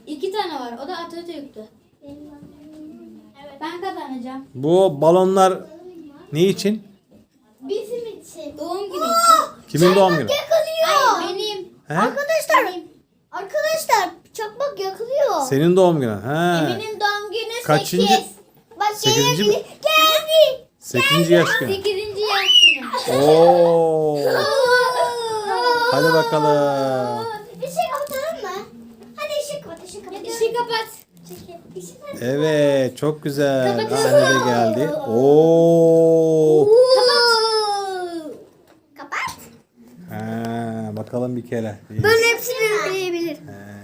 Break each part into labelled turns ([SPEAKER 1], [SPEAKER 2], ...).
[SPEAKER 1] 2 tane var. O da Atatürk'tü. Evet. Ben kazanacağım.
[SPEAKER 2] Bu balonlar ne için?
[SPEAKER 1] Bizim için. Doğum günü için.
[SPEAKER 2] Kimin doğum günü?
[SPEAKER 1] Yakılıyor. Ay, benim.
[SPEAKER 2] He?
[SPEAKER 1] Arkadaşlar çakmak yakılıyor.
[SPEAKER 2] Senin doğum günün. He.
[SPEAKER 1] Emin'in doğum günü
[SPEAKER 2] Kaçıncı?
[SPEAKER 1] 8. Bak
[SPEAKER 2] Sekizinci mi?
[SPEAKER 1] Geldi.
[SPEAKER 2] 8. yaş günü.
[SPEAKER 1] 8. yaş günü.
[SPEAKER 2] Oo. Hadi bakalım.
[SPEAKER 1] Işık kapatalım mı? Hadi ışık kapat, ışık kapat. Işık kapat.
[SPEAKER 2] Evet, çok güzel. Anne
[SPEAKER 1] Kapatıyorum.
[SPEAKER 2] de geldi. Oo.
[SPEAKER 1] Kapat.
[SPEAKER 2] Ha, bakalım bir kere.
[SPEAKER 1] Ben hepsini üfleyebilir.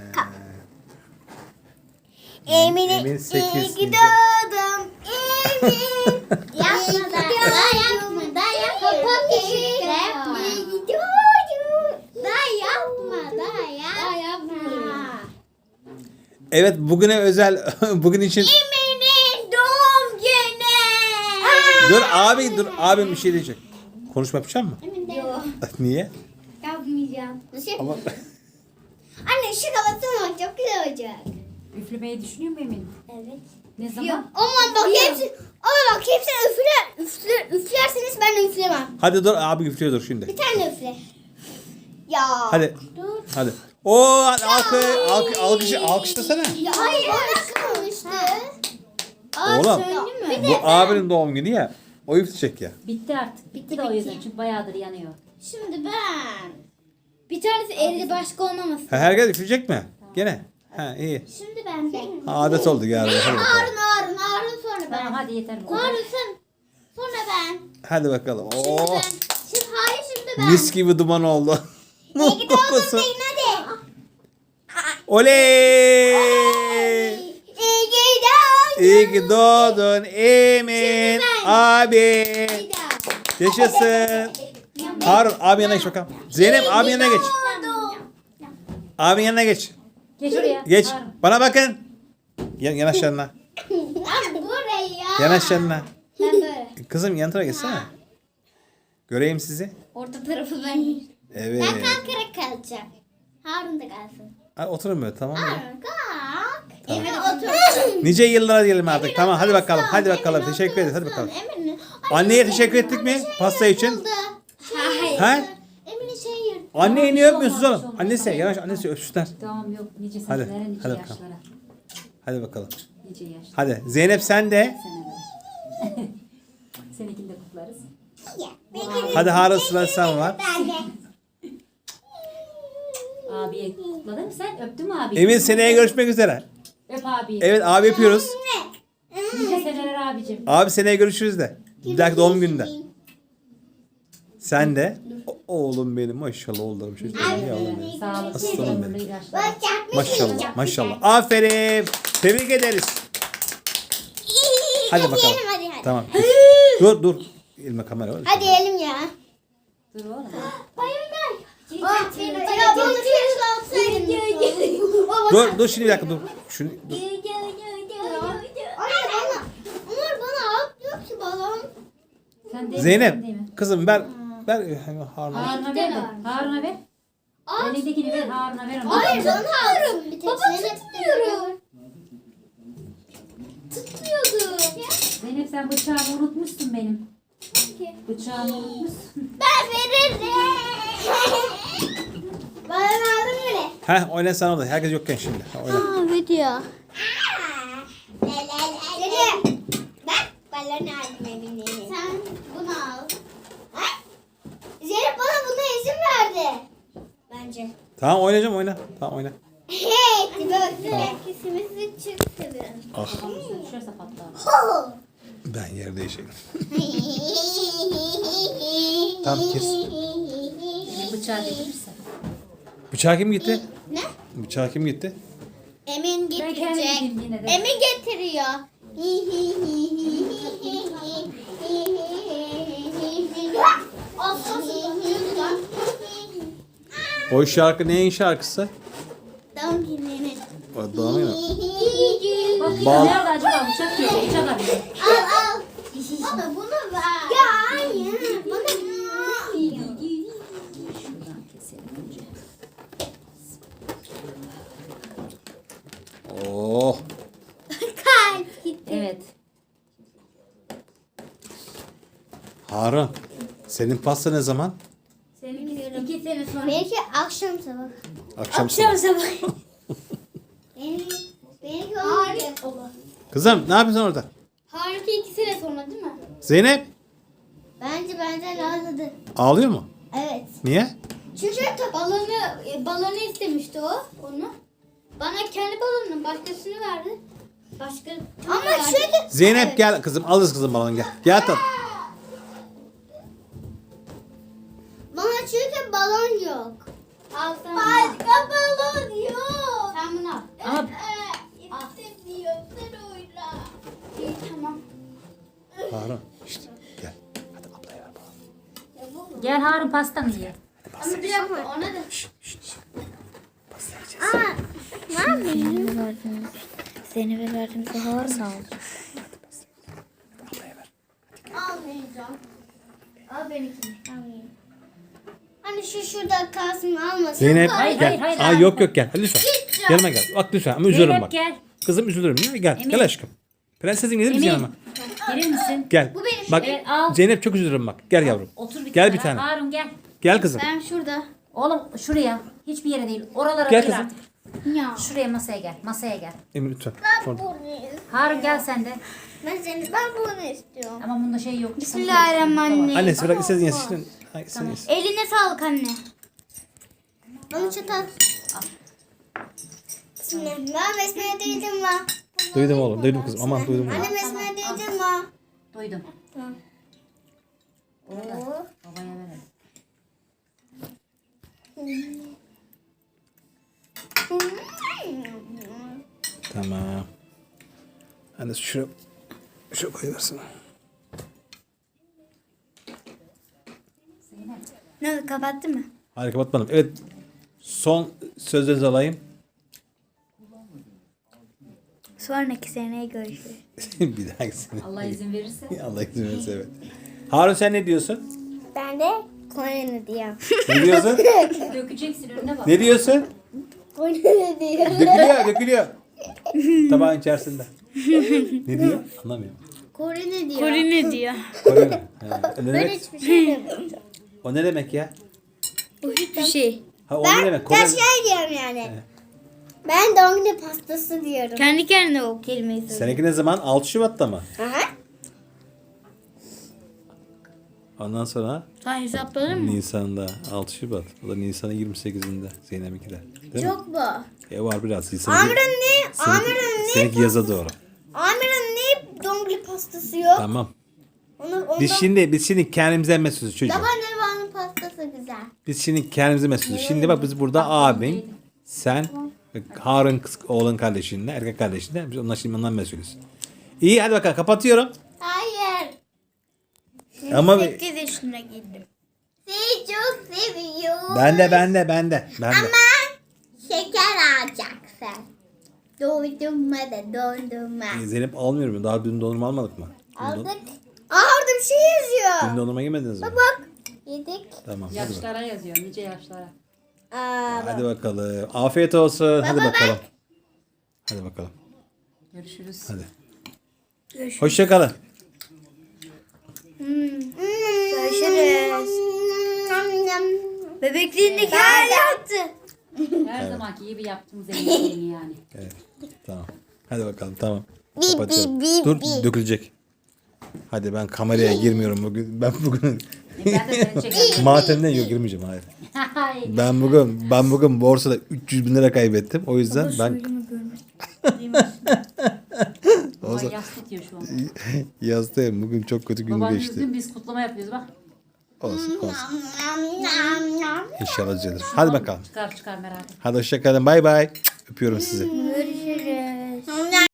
[SPEAKER 1] Emin
[SPEAKER 2] 8.
[SPEAKER 1] doğdum. Emin. Yapma da yapma da yapma. Kapat ışığı. Yapma. Da yapma da yapma.
[SPEAKER 2] Evet, bugüne özel, bugün için.
[SPEAKER 1] Emin'in doğum günü.
[SPEAKER 2] Dur abim bir şey diyecek. Konuşma yapacak mı?
[SPEAKER 1] Yok.
[SPEAKER 2] Niye?
[SPEAKER 1] Yapmayacağım.
[SPEAKER 2] Ama
[SPEAKER 1] Anne ışık kapatsana, çok güzel olacak.
[SPEAKER 3] Üflemeyi düşünüyor mu Emin?
[SPEAKER 1] Evet.
[SPEAKER 3] Ne zaman?
[SPEAKER 1] Aman bak hepsini üflerseniz ben de üflemem.
[SPEAKER 2] hadi dur, abi üflüyor dur şimdi.
[SPEAKER 1] Bir tane üfle. Ya.
[SPEAKER 2] Hadi.
[SPEAKER 1] Dur.
[SPEAKER 2] Hadi. Alkışlasana.
[SPEAKER 1] Ya hayır. Bana kalmıştı.
[SPEAKER 2] Oğlum,
[SPEAKER 1] söyleyeyim mi?
[SPEAKER 2] bu abinin doğum günü ya. O üfleyecek ya.
[SPEAKER 3] Bitti artık. Bitti de o yüzden çünkü bayağıdır yanıyor.
[SPEAKER 1] Şimdi ben. Bir tanesi elde başka olmaması.
[SPEAKER 2] Ha, herkes üfleyecek mi? Gene. Ha, iyi.
[SPEAKER 1] Şimdi ben.
[SPEAKER 2] Ha, adet oldu galiba. Hadi bakalım.
[SPEAKER 1] Harun sonra ben.
[SPEAKER 3] Tamam hadi yeter.
[SPEAKER 1] Harun sen. Sonra ben.
[SPEAKER 2] Hadi bakalım.
[SPEAKER 1] Şimdi
[SPEAKER 2] Oo.
[SPEAKER 1] ben. Şimdi ben.
[SPEAKER 2] Mis gibi duman oldu.
[SPEAKER 1] İyi ki doğdun
[SPEAKER 2] Kokusu.
[SPEAKER 1] deyin hadi.
[SPEAKER 2] Oley!
[SPEAKER 1] İyi ki doğdun.
[SPEAKER 2] İyi ki doğdun Emin
[SPEAKER 1] Şimdi ben.
[SPEAKER 2] abi.
[SPEAKER 1] Bir daha.
[SPEAKER 2] Yaşasın. Harun abi yanına geç bakalım. Zeynep abi yanına geç. Abi yanına geç.
[SPEAKER 3] Geç oraya.
[SPEAKER 2] Geç.
[SPEAKER 3] Harun.
[SPEAKER 2] Bana bakın. Yanaş yanına.
[SPEAKER 1] Lan buraya.
[SPEAKER 2] Yanaş yanına.
[SPEAKER 1] Ben böyle.
[SPEAKER 2] Kızım yan tarafa geçsene. Göreyim sizi.
[SPEAKER 1] Orta tarafı ben.
[SPEAKER 2] Evet.
[SPEAKER 1] Ben kalkarak kalacağım. Harun da kalsın.
[SPEAKER 2] Ay, oturun böyle, tamam mı?
[SPEAKER 1] Harun kalk. Emine otur.
[SPEAKER 2] Nice yıllara diyelim artık. Tamam hadi bakalım. Hadi bakalım. Teşekkür ederiz. Hadi bakalım.
[SPEAKER 1] Emine.
[SPEAKER 2] Anneye teşekkür ettik mi pasta için?
[SPEAKER 1] Hayır.
[SPEAKER 2] Ha?
[SPEAKER 1] Emine şey yırttı.
[SPEAKER 2] Anneyi niye öpmüyorsunuz oğlum? Annesi yavaş, annesi öpsünler.
[SPEAKER 3] Tamam yok. Nice
[SPEAKER 2] Hadi,
[SPEAKER 3] senelere, nice
[SPEAKER 2] hadi bakalım.
[SPEAKER 3] yaşlara.
[SPEAKER 2] Hadi bakalım.
[SPEAKER 3] Nice yaşlara.
[SPEAKER 2] Hadi Zeynep sen de.
[SPEAKER 3] Senelere. Seninkini de kutlarız.
[SPEAKER 2] Hadi Harun sıra sen var.
[SPEAKER 1] Ben de.
[SPEAKER 3] Abiye kutladın mı sen? Öptün mü abi?
[SPEAKER 2] Emin seneye görüşmek üzere.
[SPEAKER 3] Öp abiyi.
[SPEAKER 2] Evet abi yapıyoruz.
[SPEAKER 3] Nice seneler abicim.
[SPEAKER 2] Abi seneye görüşürüz de. Bir dahaki doğum gününde. Sen de. Oğlum benim maşallah oğlum. Şu yavrum.
[SPEAKER 3] Sağlık.
[SPEAKER 2] Aslanım benim.
[SPEAKER 3] ömürlü ilaçlar.
[SPEAKER 1] Bak yapmış.
[SPEAKER 2] Maşallah maşallah. Aferin. Tebrik ederiz. Hadi bakalım.
[SPEAKER 1] Yiyelim hadi.
[SPEAKER 2] Tamam. Dur. Elime kamera var.
[SPEAKER 1] Hadi yiyelim ya.
[SPEAKER 3] Dur oğlum.
[SPEAKER 1] Bayılır. Ya bunu keşke alsaydım.
[SPEAKER 2] Dur şimdi bir dakika dur. Şunu dur.
[SPEAKER 1] Anne bana. Umur bana at yok ki balon.
[SPEAKER 3] Sen değil mi?
[SPEAKER 2] Zeynep
[SPEAKER 3] Sen değil mi?
[SPEAKER 2] kızım ver Harun'a.
[SPEAKER 3] Harun'a ver de. Harun'a ver. Elindekini ver. Harun'a ver onu.
[SPEAKER 1] Hayır bana alsın. Bir tek Baba tutmuyorum. Tutmuyordu.
[SPEAKER 3] Zeynep sen bıçağımı unutmuşsun benim. Bıçağımı unutmuşsun.
[SPEAKER 1] Ben veririm. Bana aldın bile.
[SPEAKER 2] Heh oyna sen orada. Herkes yokken şimdi. Oyna.
[SPEAKER 1] Video. Dede. Bak balonu aldım Emine'ye. Sen bunu al. Zeynep bana buna izin verdi. Bence.
[SPEAKER 2] Tamam oynayacağım oyna. Tamam oyna.
[SPEAKER 1] Hey, tipe baksana. İkisimizi çok seviyorum.
[SPEAKER 2] Ah
[SPEAKER 3] Kafamın üstüne düşerse patlar.
[SPEAKER 2] ben yer değişeyim. Tamam kes.
[SPEAKER 3] Benim bıçağı getirirsen.
[SPEAKER 2] Bıçağı kim gitti?
[SPEAKER 1] Ne?
[SPEAKER 2] Bıçağı kim gitti?
[SPEAKER 1] Emin
[SPEAKER 3] Ben kendim
[SPEAKER 1] getirecek.
[SPEAKER 3] gideyim yine de.
[SPEAKER 1] Emin getiriyor.
[SPEAKER 2] O şarkı neyin şarkısı?
[SPEAKER 1] Doğum gününe.
[SPEAKER 2] O doğum günü.
[SPEAKER 3] Bak
[SPEAKER 2] Bal-
[SPEAKER 3] nerede acaba bıçak yok. Bıçak arıyor.
[SPEAKER 1] Al. Baba bunu ver. Ya hayır. Bana
[SPEAKER 3] Şuradan keselim önce.
[SPEAKER 2] Harun. Senin pasta ne zaman?
[SPEAKER 3] Seninki 2 sene sonra.
[SPEAKER 1] Benimki akşam sabah.
[SPEAKER 2] Akşam sabah.
[SPEAKER 1] Benimki olmayacak.
[SPEAKER 2] Kızım ne yapıyorsun orada?
[SPEAKER 1] Harika 2 sene sonra değil mi?
[SPEAKER 2] Zeynep
[SPEAKER 1] Bence benden ağladı.
[SPEAKER 2] ağlıyor mu?
[SPEAKER 1] Evet.
[SPEAKER 2] Niye?
[SPEAKER 1] Çünkü balonu istemişti onu. Bana kendi balonunu başkasını verdi. Ama çünkü
[SPEAKER 2] Zeynep gel kızım, alırız kızım balonu gel. Gel tat.
[SPEAKER 1] bana çünkü balon yok. Al sen. Başka balon yok. Sen bunu al.
[SPEAKER 3] Ama
[SPEAKER 1] İstemiyorsan oyna. İyi tamam.
[SPEAKER 2] Harun işte gel. Hadi ablaya ver balonu.
[SPEAKER 3] gel Harun pastanı ye.
[SPEAKER 1] Ama bir dakika ona da.
[SPEAKER 2] Pasta yiyeceğiz.
[SPEAKER 1] Ne yapayım?
[SPEAKER 4] Zeynep'e verdiğimizde Harun aldı.
[SPEAKER 2] Ablaya ver.
[SPEAKER 1] Almayacağım. Al benimkini. Almayayım. Hani şurada kalsın almasın.
[SPEAKER 2] Zeynep
[SPEAKER 3] Hayır,
[SPEAKER 2] gel.
[SPEAKER 3] hayır, hayır,
[SPEAKER 2] Aa,
[SPEAKER 3] hayır.
[SPEAKER 2] yok yok gel. Hadi lütfen. Yanıma gel. Bak lütfen ama üzülürüm
[SPEAKER 3] Zeynep
[SPEAKER 2] bak.
[SPEAKER 3] gel.
[SPEAKER 2] Kızım üzülürüm ya. Gel.
[SPEAKER 3] Emin.
[SPEAKER 2] Gel aşkım. Prensesim gelir misin
[SPEAKER 3] Emin.
[SPEAKER 2] yanıma?
[SPEAKER 3] Gelir misin?
[SPEAKER 2] Gel.
[SPEAKER 1] Bu benim.
[SPEAKER 2] Bak
[SPEAKER 3] Evet, al.
[SPEAKER 2] Zeynep çok üzülürüm bak. Gel yavrum.
[SPEAKER 3] Otur bir
[SPEAKER 2] Gel
[SPEAKER 3] kenara.
[SPEAKER 2] bir tane.
[SPEAKER 3] Harun gel.
[SPEAKER 2] Gel kızım.
[SPEAKER 1] Ben şurada.
[SPEAKER 3] Oğlum şuraya. Hiçbir yere değil. Oralara
[SPEAKER 2] Gel
[SPEAKER 3] değil
[SPEAKER 2] kızım.
[SPEAKER 3] artık.
[SPEAKER 1] Ya.
[SPEAKER 3] Şuraya masaya gel. Masaya gel.
[SPEAKER 2] Emin lütfen. Orada.
[SPEAKER 3] Harun gel sen de.
[SPEAKER 1] Ben bunu istiyorum.
[SPEAKER 3] Ama bunda şey yok.
[SPEAKER 1] Bismillahirrahmanirrahim.
[SPEAKER 2] Annesi bırak istediğin yesin. Ay, sen yesin.
[SPEAKER 1] Eline sağlık anne. Bana çatal. Bismillah. Ben besmele değildim lan.
[SPEAKER 2] Duydum oğlum. Duydum kızım. Aman duydum.
[SPEAKER 1] Anne besmele değildim lan.
[SPEAKER 3] Duydum.
[SPEAKER 1] Tamam.
[SPEAKER 3] Onu da babaya verelim.
[SPEAKER 2] Tamam. Anne şu koyuversin.
[SPEAKER 3] Zeynep.
[SPEAKER 1] Ne kapattı mı?
[SPEAKER 2] Hayır kapatmadım. Evet. Son sözlerinizi alayım.
[SPEAKER 1] Sonraki seneye görüşürüz.
[SPEAKER 2] Bir dahaki sene.
[SPEAKER 3] Allah izin verirse.
[SPEAKER 2] Allah izin verirse evet. Harun sen ne diyorsun?
[SPEAKER 1] Ben de Kore'ni diyeyim.
[SPEAKER 2] Ne diyorsun?
[SPEAKER 3] Dökeceksin önüne bak.
[SPEAKER 2] Ne diyorsun?
[SPEAKER 1] Kore'ni diyeyim.
[SPEAKER 2] Dökülüyor. Tabağın içerisinde. Ne diyor? Anlamıyorum.
[SPEAKER 1] Kore'ni diyor. Kore'ni diyor.
[SPEAKER 2] Kore mi? Ha, o ne
[SPEAKER 1] Ben
[SPEAKER 2] demek?
[SPEAKER 1] hiçbir şey demiyorum.
[SPEAKER 2] O ne demek ya?
[SPEAKER 1] Bu hiçbir şey.
[SPEAKER 2] Ha o ne demek? Kore...
[SPEAKER 1] Ben şey diyorum yani. Ben doğum günü pastası diyorum. Kendi kendine o kelimeyi söylüyorum.
[SPEAKER 2] Seninki ne zaman? 6 Şubat'ta mı?
[SPEAKER 1] Aha.
[SPEAKER 2] Ondan sonra
[SPEAKER 1] Sen hesapladın mı?
[SPEAKER 2] Nisan'da 6 Şubat. O da Nisan'ın 28'inde Zeynep'inkiler. Değil mi?
[SPEAKER 1] Çok bu.
[SPEAKER 2] Var biraz.
[SPEAKER 1] Amir'in ne?
[SPEAKER 2] Seninki yaza doğru.
[SPEAKER 1] Amir'in ne doğum günü pastası yok?
[SPEAKER 2] Tamam.
[SPEAKER 1] Ondan...
[SPEAKER 2] Biz şimdi kendimize mesutuz çocuğum.
[SPEAKER 1] Baba Neva'nın pastası güzel.
[SPEAKER 2] Biz şimdi kendimize mesutuz. Şimdi bak biz burada abin, sen, Harun oğlun kardeşinle, erkek kardeşinle biz ondan mesulüz. İyi hadi bakalım kapatıyorum.
[SPEAKER 1] Hayır.
[SPEAKER 2] Ama
[SPEAKER 1] 8 yaşına girdim. Seni çok seviyorum.
[SPEAKER 2] ben de.
[SPEAKER 1] Ama şeker alacaksın. Dondurma da dondurma.
[SPEAKER 2] Zeynep almıyorum mu? Daha dün dondurma almadık mı?
[SPEAKER 1] Aldık. Aa orada bir şey yazıyor.
[SPEAKER 2] Dün dondurma yemediniz mi?
[SPEAKER 1] Bak. Yedik.
[SPEAKER 2] Tamam hadi bakalım.
[SPEAKER 3] Yaşlara yazıyor. Nice yaşlara.
[SPEAKER 2] Hadi bakalım. Afiyet olsun. Hadi bakalım. Hadi bakalım.
[SPEAKER 3] Görüşürüz.
[SPEAKER 2] Hadi. Hoşça kalın.
[SPEAKER 1] Görüşürüz. Bebekliğindeki her yaptı.
[SPEAKER 3] Her zamanki gibi yaptığımız yemeğini yani.
[SPEAKER 2] Evet. Tamam. Hadi bakalım tamam.
[SPEAKER 1] Bip,
[SPEAKER 2] Kapatıyorum.
[SPEAKER 1] bip, bip,
[SPEAKER 2] Dur
[SPEAKER 1] bip.
[SPEAKER 2] dökülecek. Hadi ben kameraya girmiyorum bugün. Ben bugün
[SPEAKER 3] Ben de seni çekerim.
[SPEAKER 2] matemden yok girmeyeceğim hayır.
[SPEAKER 3] Hayır.
[SPEAKER 2] Ben bugün borsada 300 bin lira kaybettim. O yüzden ben
[SPEAKER 3] Baba yas tutuyor şu an.
[SPEAKER 2] yastayım. Bugün çok kötü gün
[SPEAKER 3] Baban
[SPEAKER 2] geçti.
[SPEAKER 3] üzgün biz kutlama yapıyoruz bak.
[SPEAKER 2] Olsun. İnşallah düzelir. Hadi bakalım.
[SPEAKER 3] Çıkar merak etme.
[SPEAKER 2] Hadi hoşça kalın. Bay bay. Öpüyorum sizi.
[SPEAKER 1] Görüşürüz.